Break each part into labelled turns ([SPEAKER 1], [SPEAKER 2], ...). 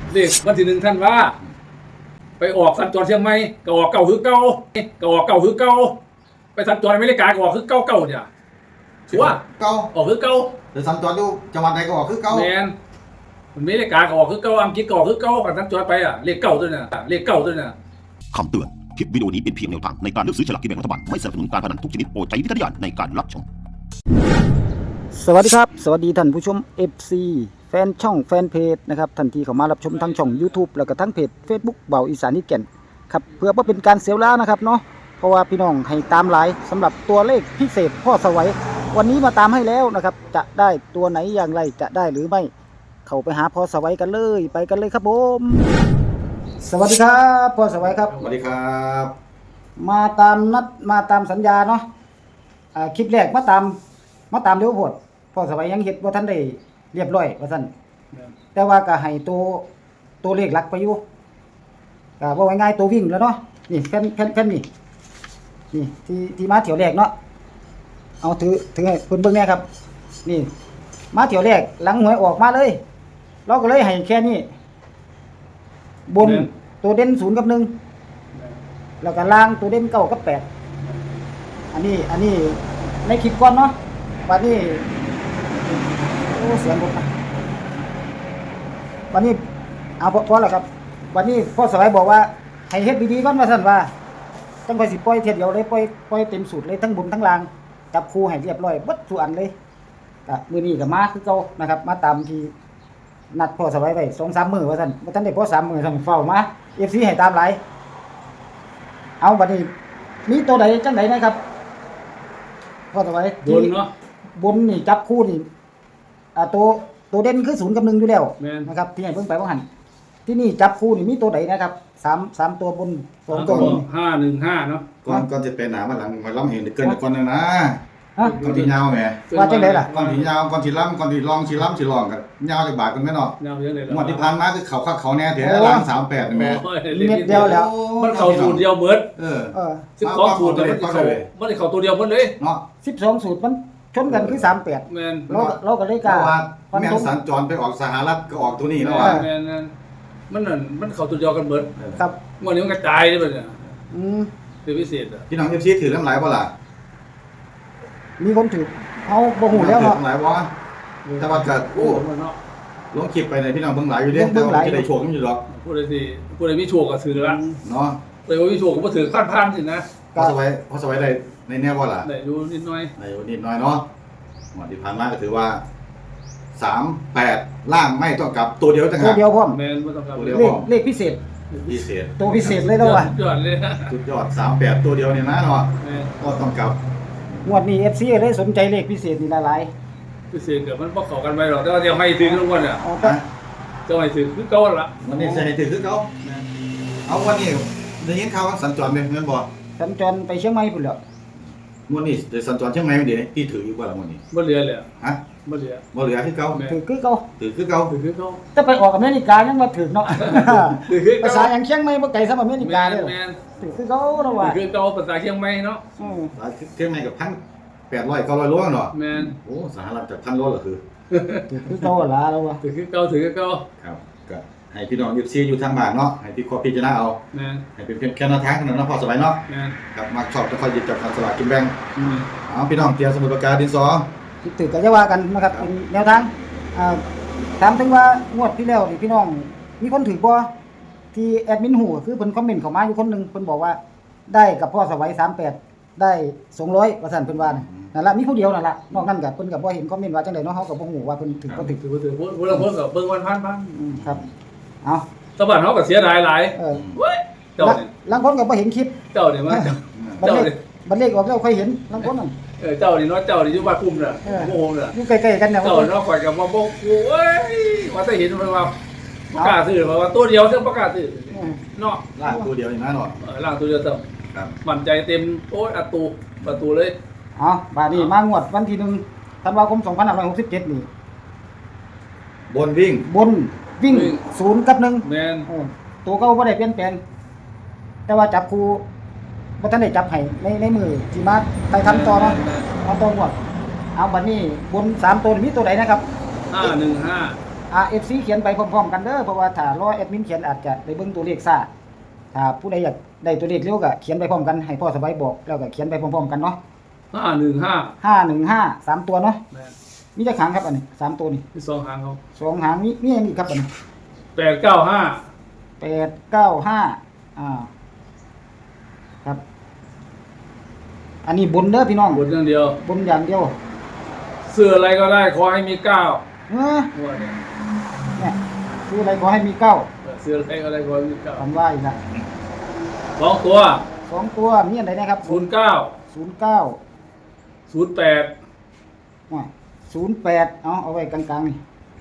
[SPEAKER 1] เลขวันที่1ท่านว่าไปออกสัญจรเชียงใหม่ก็ออกเก่าคือเก่าก็ออกเก่าคือเก่าไปสัญจรอเมริกาก็ออกคือเก่าเนี่ยถือว่า
[SPEAKER 2] เก่า
[SPEAKER 1] ออกคือเก่า
[SPEAKER 2] หรือสัญจรอยู่จังหวัดใดก็ออกคือเก่า
[SPEAKER 1] แมนอเมริกาก็ออกคือเก่าอังกฤษก็ออกคือเก่ากันสัญจรไปอ่ะเลขเก่าด้วยน่ะเลขเก่าด้วยน่ะ
[SPEAKER 3] คำเตือน คลิปวิดีโอนี้เป็นเพียงแนวทางในการเลือกซื้อฉลากกินแบ่งรัฐบาล ไม่สนับสนุนการพนันทุกชนิดโปรดใช้วิจารณญาณในการรับชม
[SPEAKER 4] สวัสดีครับสวัสดีท่านผู้ชม FC แฟนช่องแฟนเพจนะครับทันทีเข้ามารับชมทั้งช่อง YouTube แล้วก็ทั้งเพจ Facebook เบาอีสานนิดแก่นครับเพื่อว่าเป็นการเสียเวลานะครับเนาะเพราะว่าพี่น้องให้ตามหลายสำหรับตัวเลขพิเศษพ่อสวัยวันนี้มาตามให้แล้วนะครับจะได้ตัวไหนอย่างไรจะได้หรือไม่เข้าไปหาพ่อสวัยกันเลยไปกันเลยครับผมสวัสดีครับพ่อสวัยครับ
[SPEAKER 2] สวัสดีครับ
[SPEAKER 4] มาตามนัดมาตามสัญญาเนาะคลิปแรกมาตามเร็วโพดพ่อสวัยยังเฮ็ดบ่ทันได้เรียบร้อยว่าซั่นแต่ว่าก็ให้ตัวเลขหลักไปอยู่ก็ว่าง่ายๆตัววิ่งแล้วเนาะนี่แผ่นนี่ที่มาเที่ยวแรกเนาะเอาถือให้เพิ่นเบิ่งแน่ครับนี่มาเที่ยวแรกหลังหวยออกมาเลยเราก็เลยให้แค่นี้บนตัวเด่น0กับ1แล้วก็ล่างตัวเด่น9กับ8อันนี้ในคลิปก่อนเนาะวันนี้โอ้เสียงผมนะวันนี้เอาพอแล้วครับวันนี้พ่อสวัยบอกว่าให้เฮ็ดดีๆก่อนว่าซั่นว่าจังค่อยสิปล่อยเทียเดียวเลยปล่อยเต็มสูตรเลยทั้งบนทั้งล่างจับคู่ให้เรียบร้อยเบิดทุกอันเลยก็มื้อนี้ก็มาคือเก่านะครับมาตามที่นัดพ่อสวัยไว้ 2-3 มื้อว่าซั่นบ่ทันได้พอ3มื้อซั่นเฝ้ามา FC ให้ตามหลายเอาบัดนี้มีตัวใดจังไดนะครับพ่อสวัย
[SPEAKER 1] บนเนาะ
[SPEAKER 4] บนนี่จับคู่นี่ตัวเด่นคือ0กับ1อยู่แล้ว
[SPEAKER 1] แม่น
[SPEAKER 4] นะครับที่ให้เพิ่งไปว่าหันที่นี่จับคู่นี่มีตัวใดนะครับ3ตัวบน2ตัวบน
[SPEAKER 1] 515เนาะ
[SPEAKER 2] ก่อนจะไปหนามาหลังมาล้ำเห็นเกินก่อนนะ
[SPEAKER 4] ฮะ
[SPEAKER 2] ก่อนที่ยาวแหม
[SPEAKER 4] ว่าจังไดล่ะ
[SPEAKER 2] ก่อนที่ยาวก่อนที่ล้ำก่อนที่ลองที่ล้ำที่ลองกันยาวจากบาทกันแม่เนาะ
[SPEAKER 1] ยาวยังไงล่ะ
[SPEAKER 2] งวดที่ผ่านมาคือเขาคักเขาแน่แท้ล้าง38นี่แม่
[SPEAKER 1] โอ้ย
[SPEAKER 4] เม็ดเดียวแล้ว
[SPEAKER 1] มันเข้าสูตรเดียวเบิด
[SPEAKER 2] เออ
[SPEAKER 1] 12สูตรแต่มันได้เข้าตัวเดียวหมดเลย
[SPEAKER 2] เนาะ
[SPEAKER 4] 12สูตรมันชนกันคือ38
[SPEAKER 1] แม่น
[SPEAKER 4] เราก็เลย
[SPEAKER 2] เพ
[SPEAKER 4] กล้า
[SPEAKER 2] ราะว่า
[SPEAKER 4] ฟัน
[SPEAKER 2] แม่
[SPEAKER 4] ธง
[SPEAKER 2] สัญจรไปออกสหรัฐก็ออกตัวนี้แล้ว
[SPEAKER 1] แม่
[SPEAKER 2] ว่ะ
[SPEAKER 1] นแม่นนั่นมันนั่นมันเข้าตัวเดียวกันเบิด
[SPEAKER 4] ครับ
[SPEAKER 1] วันนี้มันกระจายเลยบัดเนี่ย
[SPEAKER 4] อืม
[SPEAKER 1] คือพิเศษอ่ะ
[SPEAKER 2] พี่น้อง FC ถือน้ำไหลบ่ล่ะ
[SPEAKER 4] มีคนถือเอาบ่ฮู้แล้วเนาะ
[SPEAKER 2] น้ำไหลบ่แต่ว่าก็
[SPEAKER 1] โอ้
[SPEAKER 2] โอ้
[SPEAKER 1] มันเนาะ
[SPEAKER 2] ลงคลิปไปในพี่น้องเบิ่งหลายอยู่เด้แต่ว่าจะได้โชคกันอยู่ดอก
[SPEAKER 1] ผู้ใดมีโชคก็ซื้อละ
[SPEAKER 2] เนาะ
[SPEAKER 1] ผู้ใดบ่มีโชคก็บ่ถือพันสินะ
[SPEAKER 2] พอสบายได้ในแน่บ่ล่ะ
[SPEAKER 1] ได้ดูนิดหน่อย
[SPEAKER 2] ในวันนี้น้อยเนาะวันที่ผ่านมาก็ถือว่า38ล่างไม่ต้องกลับตัวเดียวจัง
[SPEAKER 4] ตัวเดียวพร้อม
[SPEAKER 1] แม่นบ่ต้องกลับ
[SPEAKER 2] ตัวเดียว
[SPEAKER 4] เลขพิเศษ
[SPEAKER 2] พิเศษ
[SPEAKER 4] ตัวพิเศษเลยแล้วว่ะ
[SPEAKER 1] ยอดเลยนะ
[SPEAKER 2] สุดยอด38ตัวเดียวเนี่ยนะเนาะ
[SPEAKER 1] แม่น
[SPEAKER 2] ก็ต้องกลับ
[SPEAKER 4] งวดนี้ FC เลยสนใจเลขพิเศษนี่หลาย
[SPEAKER 1] พิเศษก็มันบ่เข้ากันไปหรอกแต่ว่าเดี๋ยวให้ถึงทุกวันน่ะ
[SPEAKER 4] ๆเอาแต่
[SPEAKER 2] นะ
[SPEAKER 1] จะให้ถึงคือเก่าละ
[SPEAKER 2] วันนี้จะให้ถือคือเขาเอาวันนี้ได้ยินข่าวว่าสัญจรเป็นเงินบ่
[SPEAKER 4] สัญจรไปเชียงใหม่พุ่นแล้ว
[SPEAKER 2] วันนี้จะสัญจรเชียงใหม่เดี๋ยวพี่ถืออยู่กว่าละวันนี้
[SPEAKER 1] บ่เหลือเลย
[SPEAKER 2] ฮะ
[SPEAKER 1] บ่เหลือ
[SPEAKER 2] บ่เหลือคือเก่า
[SPEAKER 1] แม่
[SPEAKER 4] ถือคือเก่า
[SPEAKER 2] ถือคือเก่า
[SPEAKER 1] คือเก่า
[SPEAKER 4] แต่ไปออกอเมริกายังมาถึงเนาะ
[SPEAKER 1] คือ
[SPEAKER 4] ภาษาอย่างเชียงใหม่บ่ไกลซะอเมริกา
[SPEAKER 1] แม่
[SPEAKER 4] เด้
[SPEAKER 1] น
[SPEAKER 4] อ
[SPEAKER 1] แม่น
[SPEAKER 4] คือเขาเนาะว่า
[SPEAKER 1] คือเก่าภาษาเชียงใหม่เนาะ
[SPEAKER 2] เชียงใหม่กับ1,800 900โลเนาะ
[SPEAKER 1] แม่น
[SPEAKER 2] โอ้สหรัฐจาก1,000โลเหรอคือ
[SPEAKER 4] คือเขาล่ะแล้วว่า
[SPEAKER 1] คือเก่าคือเก่า
[SPEAKER 2] ครับก็ให้พี่น้องFCอยู่ทางบ้านเนาะให้พี่ขอพิจารณาเอา
[SPEAKER 1] แม่น
[SPEAKER 2] ให้เป็นเพียงแค่แนวทางเท่านั้นเนาะพอสบายเนาะ
[SPEAKER 1] แม่น
[SPEAKER 2] ครับมักชอบจะคอยหยิบจับสลากกินแบ่ง
[SPEAKER 1] อืม
[SPEAKER 2] เอาพี่น้องเตรียมสมุดปากกาดินสอ
[SPEAKER 4] ถือก็จะว่ากันนะครับเป็นแนวทางถามถึงว่างวดที่แล้วนี่พี่น้องมีคนถือบ่ที่แอดมินหูคือเพิ่นคอมเมนต์เข้ามาอยู่คนหนึงเพิ่นบอกว่าได้กับพ่อสวัย38ได้200ว่าซั่นเพิ่นว่านั่นล่ะมีผู้เดียวนั่นล่ะนอกนั้นก็เพิ่นก็บ่เห็นคอมเมนต์ว่าจังได๋เนาะเฮาก็บ่ฮู้ว่าเพิ่นถือบ่ถือ
[SPEAKER 1] ถือผู้ละคนก็เบิ่งวันพัน
[SPEAKER 4] ครับเอา
[SPEAKER 1] ตะบ้านเฮาก็เสียดายหลาย เว้ยเจ้านี่
[SPEAKER 4] ลางคนก็บ่เห็นคลิป
[SPEAKER 1] เจ้านี่มา
[SPEAKER 4] บัดเลขบัดเลขออกแล้วค่อยเห็นลางคนนั่น
[SPEAKER 1] เจ้านี่เนาะเจ้านี่อยู่บ้านคุมน่ะโมโหน่ะ
[SPEAKER 4] อยู่ใกล้ๆกันเนี่ย
[SPEAKER 1] เจ้าเนาะข่อยก็บ่บอกกูเอ้ยว่าแต่เห็นมันว่าประกาศซื้อว่าตัวเดียวเท่าประกาศซื้อเนาะ
[SPEAKER 2] ลากตัวเดียวนี่นะเนาะ
[SPEAKER 1] ล่างตัวเดียวเท่า
[SPEAKER 2] ครับ
[SPEAKER 1] มั่นใจเต็มโอ้ยประตูเลย
[SPEAKER 4] เอาบาดนี้มางวดวันที่1ธันวาคม2567นี่
[SPEAKER 2] บนวิ่ง
[SPEAKER 4] บนวิ่ง0กับ1
[SPEAKER 1] แม่น
[SPEAKER 4] ตัวเก่าบ่ได้เปลี่ยนแปลงแต่ว่าจับคู่บ่ทันได้จับให้ในมือที่มาไปทำต่อเนาะเอาต่องวดเอาบัดนี้บน3ตัวนี่มีตัวใดนะครับ
[SPEAKER 1] 515
[SPEAKER 4] FC เขียนไปพร้อมๆกันเด้อเพราะว่าถ้ารอแอดมินเขียนอาจจะได้เบิ่งตัวเลขซ่าถ้าผู้ใดอยากได้ตัวเลขเร็วก็เขียนไปพร้อมกันให้พ่อสบายบอกแล้วก็เขียนไปพร้อมๆกันเนาะ
[SPEAKER 1] 515
[SPEAKER 4] 515 3ตัวเนาะ
[SPEAKER 1] แม่น
[SPEAKER 4] มีจักหางครับอันนี้3ตัวนี่
[SPEAKER 1] ที่2หางเขา
[SPEAKER 4] 2หางมีอันนี้ครับอันนี้
[SPEAKER 1] 895
[SPEAKER 4] 895ครับ อันนี้บนเด้อพี่น้อง
[SPEAKER 1] บนอย่างเดียว
[SPEAKER 4] บนอย่างเดียว
[SPEAKER 1] เสื้ออะไรก็ได้ขอให้มี9
[SPEAKER 4] เออ
[SPEAKER 1] หัวเนี่ย
[SPEAKER 4] เนี่ยคืออะไรขอให้มีเก้า
[SPEAKER 1] เสื้ออะไรก็ได้ขอให้มี9
[SPEAKER 4] คำว่าอีกนะ
[SPEAKER 1] 2ตัว
[SPEAKER 4] 2ตัวมีอันใดนะครับ
[SPEAKER 1] 09
[SPEAKER 4] 09
[SPEAKER 1] 08
[SPEAKER 4] 08เอาไว้กลางๆนี่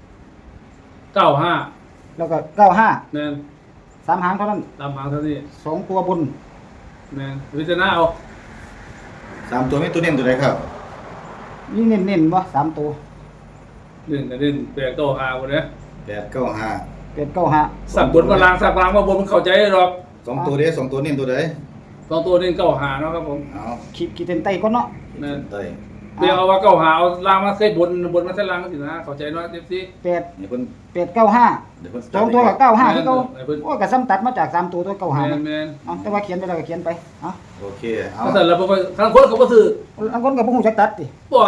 [SPEAKER 1] 95
[SPEAKER 4] แล้วก็95
[SPEAKER 1] แม่น
[SPEAKER 4] 3หางเท่านั้น
[SPEAKER 1] ตามหางเท่านี้
[SPEAKER 4] 2ตัวบน
[SPEAKER 1] แม่นวิจารณาเอา
[SPEAKER 2] 3ตัวมีตัวเน้นตัวใดครับ
[SPEAKER 4] มีเน้นๆบ่3ตัว
[SPEAKER 1] 1กับ1 8 9 5บ่เด้
[SPEAKER 2] 895
[SPEAKER 4] 895
[SPEAKER 1] สักบนมาลางสักลางมาบนมันเข้าใจหรอก
[SPEAKER 2] 2ตัวเด้2ตัวเน้นตัวใด
[SPEAKER 1] 2ตัว1 9 5เนาะครับผม
[SPEAKER 2] เอา
[SPEAKER 4] ขีดเส้นใต้ก่อนเนาะ
[SPEAKER 1] แม่น
[SPEAKER 2] เต้ย
[SPEAKER 1] เรียกเอาว่า9 5เอาลางมาใส่บนมาใส่ลางก็สินะเข้าใจเนาะ FC
[SPEAKER 4] 8
[SPEAKER 2] นี่เพิ่น
[SPEAKER 4] 895
[SPEAKER 2] เดี๋ยวเพิ่น
[SPEAKER 4] 2ตัวกับ95คือเก่า
[SPEAKER 1] แม่นเพิ่น
[SPEAKER 4] โอ้ยก็ซ้ำตัดมาจาก3ตัว95
[SPEAKER 1] แม่
[SPEAKER 4] นะ
[SPEAKER 1] นแม่น
[SPEAKER 4] เอาแต่ว่าเขียนไปแล้วก็เขียนไปเอา
[SPEAKER 2] โอเคเอา
[SPEAKER 1] ถ้าเสร็จแล้วบ่ทางคนเขาบ่ซื้อ
[SPEAKER 4] อันคนก็บ่ฮู้จักตัดติ
[SPEAKER 1] บ่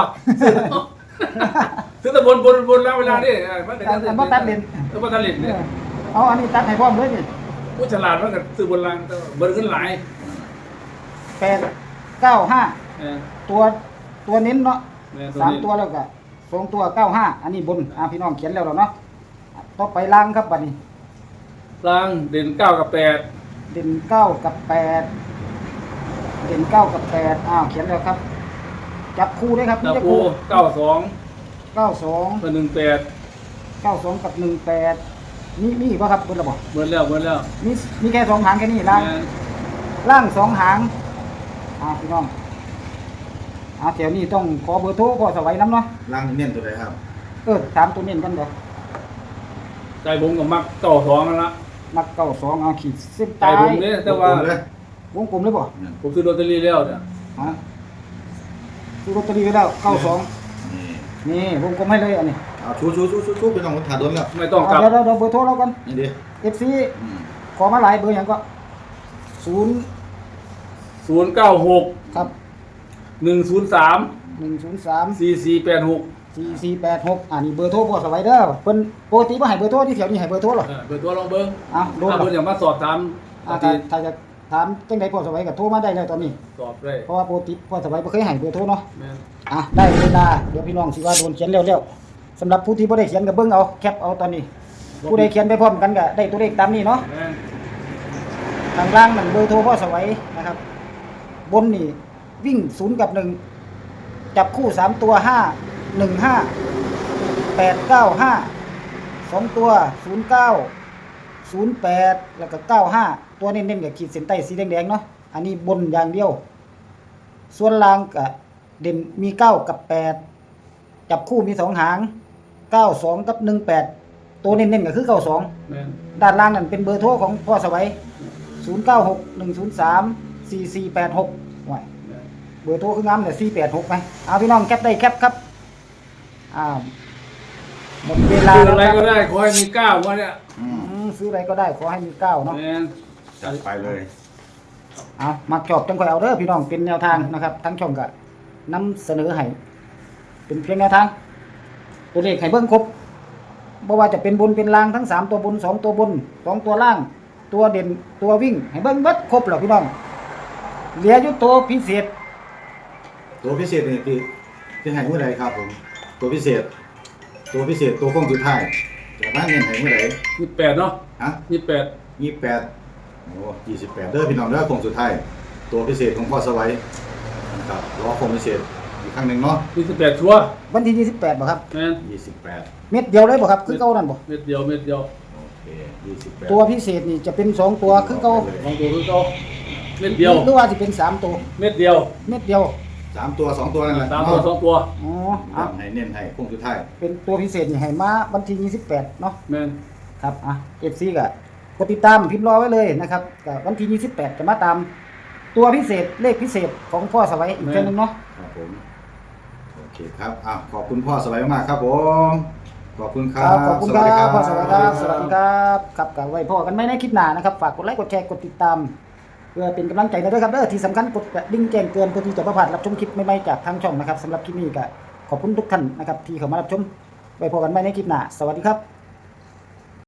[SPEAKER 1] ซื้อแต่บนแล้วเวลานี่มันก็
[SPEAKER 4] อันบ่ตัดเล่น
[SPEAKER 1] บ่ตัดเล่นเนี่ย
[SPEAKER 4] เอาอันนี้ตัดให้พร้อมเลยนี่
[SPEAKER 1] ผู้ฉลาดมันก็ซื้อบนล่างแต่เบิ่งขึ้นหลาย
[SPEAKER 4] 895
[SPEAKER 1] แม่น
[SPEAKER 4] ตัวเน้นเนาะ
[SPEAKER 1] แม่น
[SPEAKER 4] สามตัวแล้วก็2ตัว95อันนี้บนพี่น้องเขียนแล้วเนาะต่อไปล่างครับบัดนี้
[SPEAKER 1] ล่างเด่น9กับ8
[SPEAKER 4] เด่น9กับ8เด่น9กับ8เขียนแล้วครับ จับคู่ด้วยครับ
[SPEAKER 1] ดาว
[SPEAKER 4] จับ
[SPEAKER 1] ปู
[SPEAKER 4] คู่
[SPEAKER 1] 92
[SPEAKER 4] 92
[SPEAKER 1] กับ18
[SPEAKER 4] 92กับ18มีอีกบ่ครับเบิ่นละบ่
[SPEAKER 1] เบิ่แล้ว
[SPEAKER 4] มีแค่2หางแค่นี้ล่าง
[SPEAKER 1] แม่น
[SPEAKER 4] ล่าง2หางพี่น้องแถวนี้ต้องขอเบอร์โทรพ่อสวัยนำเนาะ
[SPEAKER 2] ล่างเน้นตัวใดครับ
[SPEAKER 4] ถามตัวเน้นกันบ่
[SPEAKER 1] ใจผมก็มัก92นั่นละ
[SPEAKER 4] มัก92ขีดเส้น
[SPEAKER 1] ใจ
[SPEAKER 4] ใต้
[SPEAKER 1] ผมนี่แต่ว่า
[SPEAKER 2] เลย
[SPEAKER 4] วงกลมเลยบ่
[SPEAKER 1] ผมซื้อลอตเตอรี่แล้วเนี่ย
[SPEAKER 4] ซื้อลอตเตอรี่ไว้แล้ว92
[SPEAKER 2] นี่
[SPEAKER 4] นี่วงกลมให้เลยอันนี้
[SPEAKER 2] เอาชูไปน้องคนถ่าโดนแล้ว
[SPEAKER 1] ไม่ต้องกลับ
[SPEAKER 4] เดี๋ยวเบอร์โทรเรากัน
[SPEAKER 2] นี่ดิ
[SPEAKER 4] FC ขอมาหลายเบอร์หยังก็
[SPEAKER 1] 096
[SPEAKER 4] ครับ
[SPEAKER 1] 103
[SPEAKER 4] 103
[SPEAKER 1] 4486
[SPEAKER 4] 4486นี่เบอร์โทรพ่อสวัยเด้อเพิ่นปกติบ่ให้เบอร์โทรที่แถวนี้ให้เบอร์โทรหรอ
[SPEAKER 1] เบอร์ตัวลองเบิ่ง
[SPEAKER 4] โดน
[SPEAKER 1] ถ้า
[SPEAKER 4] หรอ
[SPEAKER 1] เพิ่นอยากมาสอบถาม
[SPEAKER 4] ถ้าจะถามจังได๋พ่อสวัยก็โทรมาได้แล้วตอนนี้
[SPEAKER 1] สอบได้
[SPEAKER 4] เพราะว่าปกติพ่อสวัยบ่เคยให้เบอร์โทรเนาะ
[SPEAKER 1] แม่น
[SPEAKER 4] ได้เวลาเดี๋ยวพี่น้องสิว่าโดนเขียนแล้วสำหรับผู้ที่บ่ได้เขียนก็เบิ่งเอาแคปเอาตอนนี้ ผู้ใดเขียนไปพร้อมกันก็ได้ตัวเลขตามนี้เนาะ
[SPEAKER 1] แม่น
[SPEAKER 4] ข้างล่างนั่นเบอร์โทรพ่อสวัยนะครับ บนนี่วิ่ง0กับ1จับคู่3ตัว5 1 5 8 9 5 2ตัว09 08แล้วก็95ตัวเน้นๆกับขีดเส้นใต้สีแดงๆเนาะอันนี้บนอย่างเดียว ส่วนล่างก็เด่นมี9กับ8จับคู่มี2หาง92กับ18ตัวเน้นๆก็คือ92
[SPEAKER 1] แม่น
[SPEAKER 4] ด้านล่างนั่นเป็นเบอร์โทรของพ่อสวัย0961034486ไว้
[SPEAKER 1] แม่น
[SPEAKER 4] เบอร์โทรคืองามเนี่ย486ไหมเอาพี่น้องแคปได้แคปครับหมดเวลา
[SPEAKER 1] ซื้อ
[SPEAKER 4] แล้ว
[SPEAKER 1] อะไร
[SPEAKER 4] ครับ
[SPEAKER 1] ก็ได้ขอให้มี9ว่าเนี่ย
[SPEAKER 4] ซื้ออะไรก็ได้ขอให้มี9เนาะ
[SPEAKER 1] แม่น
[SPEAKER 2] จัดไปเลย
[SPEAKER 4] เอามักชอบจังค่อยเอาเด้อพี่น้องเป็นแนวทางนะครับ ทั้งช่องก็นำเสนอให้เป็นเพียงแนวทาง ตัวเลขให้เบิ่งครบบ่ว่าจะเป็นบนเป็นล่างทั้ง3ตัวบน2ตัวบน2ตัวล่าง ตัวเด่นตัววิ่งให้เบิ่งเบิดครบแล้วพี่น้องเหลืออยู่ตัวพิเศษ
[SPEAKER 2] ตัวพิเศษนี่ที่ให้เมื่อใดครับผมตัวพิเศษตัวโค้งสุดท้ายจะมาเน้นให้เมื่อใด
[SPEAKER 1] 28เนาะ
[SPEAKER 2] ฮะ
[SPEAKER 1] 28
[SPEAKER 2] 28โอ้28เด้อพี่น้องเด้อโค้งสุดท้ายตัวพิเศษของพ่อสวัยนะครับรอโค้งพิเศษอีกครั้งหนึงเนาะ
[SPEAKER 1] 28ชัวร์
[SPEAKER 4] วันที่28บ่ครับ
[SPEAKER 1] แม่น
[SPEAKER 2] 28
[SPEAKER 4] เม็ดเดียวเลยบ่ครับคือเก่านั่นบ่
[SPEAKER 1] เม็ดเดียว
[SPEAKER 2] โอเค28
[SPEAKER 4] ตัวพิเศษนี่จะเป็น2ตัวคือเก่า
[SPEAKER 1] ลองดูคือเก่าเม็ดเดียว
[SPEAKER 4] หรือว่าสิเป็น3ตัว
[SPEAKER 1] เม็ดเดียว
[SPEAKER 4] เม็ดเดียว
[SPEAKER 2] 3ตัว2ตัวนั่นแหละ
[SPEAKER 1] 3ตัว2ตัว
[SPEAKER 4] อ๋อ
[SPEAKER 2] ให้เน้นให้โค้งสุดท้าย
[SPEAKER 4] เป็นตัวพิเศษนี่ให้มาวันที่28เนาะ
[SPEAKER 1] แม่น
[SPEAKER 4] ครับFC ก็กดติดตามพิมพ์รอไว้เลยนะครับก็วันที่28จะมาตามตัวพิเศษเลขพิเศษของพ่อสวัยอีกเทื่อนึงเนาะ
[SPEAKER 2] ครับผมโอเคครับขอบคุณพ่อสวัยมากๆครับผมขอบคุณค
[SPEAKER 4] ค
[SPEAKER 2] รั
[SPEAKER 4] รั
[SPEAKER 2] บบ
[SPEAKER 4] ขอบคุณ
[SPEAKER 2] ส
[SPEAKER 4] ค
[SPEAKER 2] วัสดี
[SPEAKER 4] รั
[SPEAKER 2] ครับ บ
[SPEAKER 4] พ่อสวัสดีครับสวัสดีครับครับกับไว้พ่อกันไหมในคลิปหน้านะครับฝากกดไลค์กดแชร์กดติดตามเพื่อเป็นกำลังใจด้วยครับที่สำคัญกดกระดิ่งแจ้งเตือนเพื่อที่จะประพลาดรับชมคลิปใหม่ๆจากทางช่องนะครับสำหรับคลิปนี้ก็ขอบคุณทุกท่านนะครับที่เข้ามารับชมไว้พบกันใหม่ในคลิปหน้าสวัสดีครับ